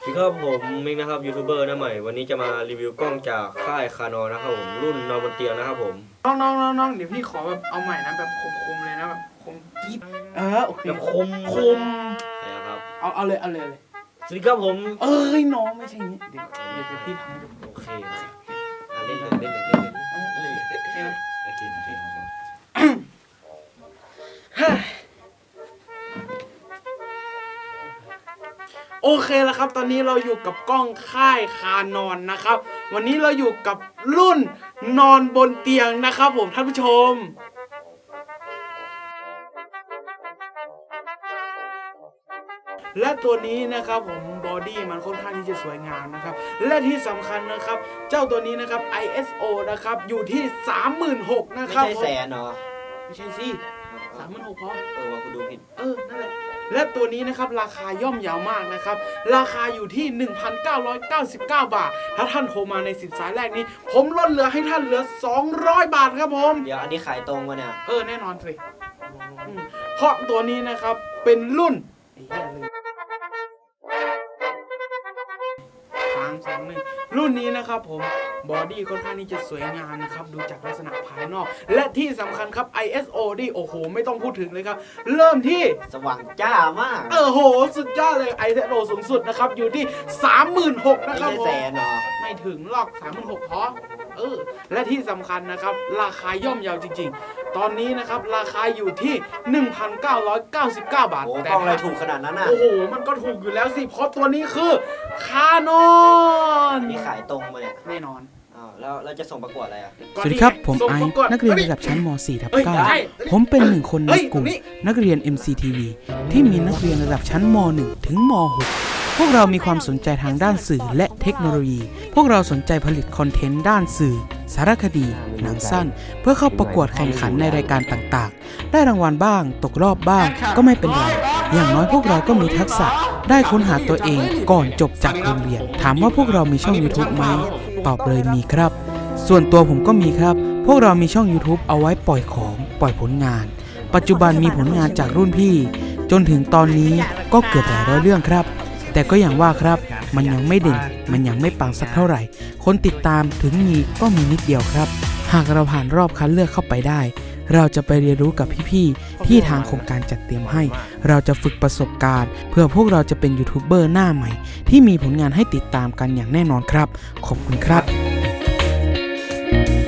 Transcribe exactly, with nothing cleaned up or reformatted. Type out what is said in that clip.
สวัสดีครับผมมิกนะครับยูทูบเบอร์หน้าใหม่วันนี้จะมารีวิวกล้องจากค่ายคานอนนะครับผมรุ่นนอนบนเตียงนะครับผมน้องน้องน้องน้องเดี๋ยวพี่ขอแบบเอาใหม่นะแบบคมๆเลยนะแบบคมกิ๊บเออโอเคแบบคมคมนะครับเอาเอาเลยเอาเลยเลยสวัสดีครับผมเอ้ยน้องไม่ใช่งี้เดี๋ยวเดี๋ยวพี่ทำให้ดูโอเคอ่ะเล่นเลยเล่นเลยเล่นเลยเออเลยโอเคนะโอเคโอเคโอเคแล้วครับตอนนี้เราอยู่กับกล้องค่ายคานอนนะครับ วันนี้เราอยู่กับรุ่นนอนบนเตียงนะครับผมท่านผู้ชม และตัวนี้นะครับผมบอดี้มันค่อนข้างที่จะสวยงามนะครับและที่สำคัญนะครับเจ้าตัวนี้นะครับ ไอ เอส โอ นะครับอยู่ที่ สามหมื่นหกพัน นะไม่ครับใช่แสนเหรอไม่ใช่สิสามหมื่นหกพันพอเออว่ากูดูผิดเออนั่นแหละและตัวนี้นะครับราคาย่อมเยาวมากนะครับราคาอยู่ที่ หนึ่งพันเก้าร้อยเก้าสิบเก้า บาทถ้าท่านโทรมาในสิบสายแรกนี้ผมลดเหลือให้ท่านเหลือสองร้อยบาทครับผมเดี๋ยวอันนี้ขายตรงวะเนี่ยเออแน่นอนสิอืมเพราะตัวนี้นะครับเป็นรุ่นไอ้เหี้ยลืมสามสองหนึ่งรุ่นนี้นะครับผมบอดี้ค่อนข้างที่จะสวยงามนะครับดูจากลักษณะภายนอก และที่สำคัญครับ ไอ เอส โอ นี่โอ้โหไม่ต้องพูดถึงเลยครับเริ่มที่สว่างจ้ามากเออโหสุดยอดเลย ไอ เอส โอ สูงสุดนะครับอยู่ที่ สามหมื่นหกพันไม่นะครับใช่ผแสมนเหรอไม่ถึงหรอก สามหมื่นหกพัน พอเออและที่สำคัญนะครับราคาย่อมเยาวจริงๆตอนนี้นะครับราคาอยู่ที่ หนึ่งพันเก้าร้อยเก้าสิบเก้า บาทโอ้กแต่ล้องอะไรถูกขนาดนั้นน่ะโอ้โหมันก็ถูกอยู่แล้วสิเพราะตัวนี้คือคานอนนี่ขายตรงมาเนี่ยแน่นอนอ้าวแล้วเราจะส่งประกวดอะไรอ่ะสวัสดีครับผมส่งไอประซ์วดนักเรียนระดับชั้นม สี่ ทับเฮ้ยเก้าได้ผมเป็นหนึ่งคนในเฮ้ยกลุ่มตรงนี้นักเรียน เอ็ม ซี ที วี ที่มีนักเรียนระดับชั้นม หนึ่ง ถึงม หก พวกเรามีความสนใจทางด้านสื่อและเทคโนโลยี พวกเราสนใจผลิตคอนเทนต์ด้านสื่อ สารคดี หนังสั้น เพื่อเข้าประกวดแข่งขันในรายการต่างๆ ได้รางวัลบ้าง ตกรอบบ้าง ก็ไม่เป็นไร อย่างน้อยพวกเราก็มีทักษะ ได้ค้นหาตัวเองก่อนจบจากโรงเรียน ถามว่าพวกเรามีช่อง YouTube ไหม ตอบเลยมีครับ ส่วนตัวผมก็มีครับ พวกเรามีช่อง YouTube เอาไว้ปล่อยของ ปล่อยผลงาน ปัจจุบันมีผลงานจากรุ่นพี่ จนถึงตอนนี้ก็เกือบหลายร้อยเรื่องครับ แต่ก็อย่างว่าครับ มันยังไม่เด่น มันยังไม่ปังสักเท่าไหร่ คนติดตามถึงมีก็มีนิดเดียวครับ หากเราผ่านรอบคัดเลือกเข้าไปได้ เราจะไปเรียนรู้กับพี่ๆที่ทางโครงการจัดเตรียมให้ เราจะฝึกประสบการณ์ เพื่อพวกเราจะเป็นยูทูบเบอร์หน้าใหม่ ที่มีผลงานให้ติดตามกันอย่างแน่นอนครับ ขอบคุณครับ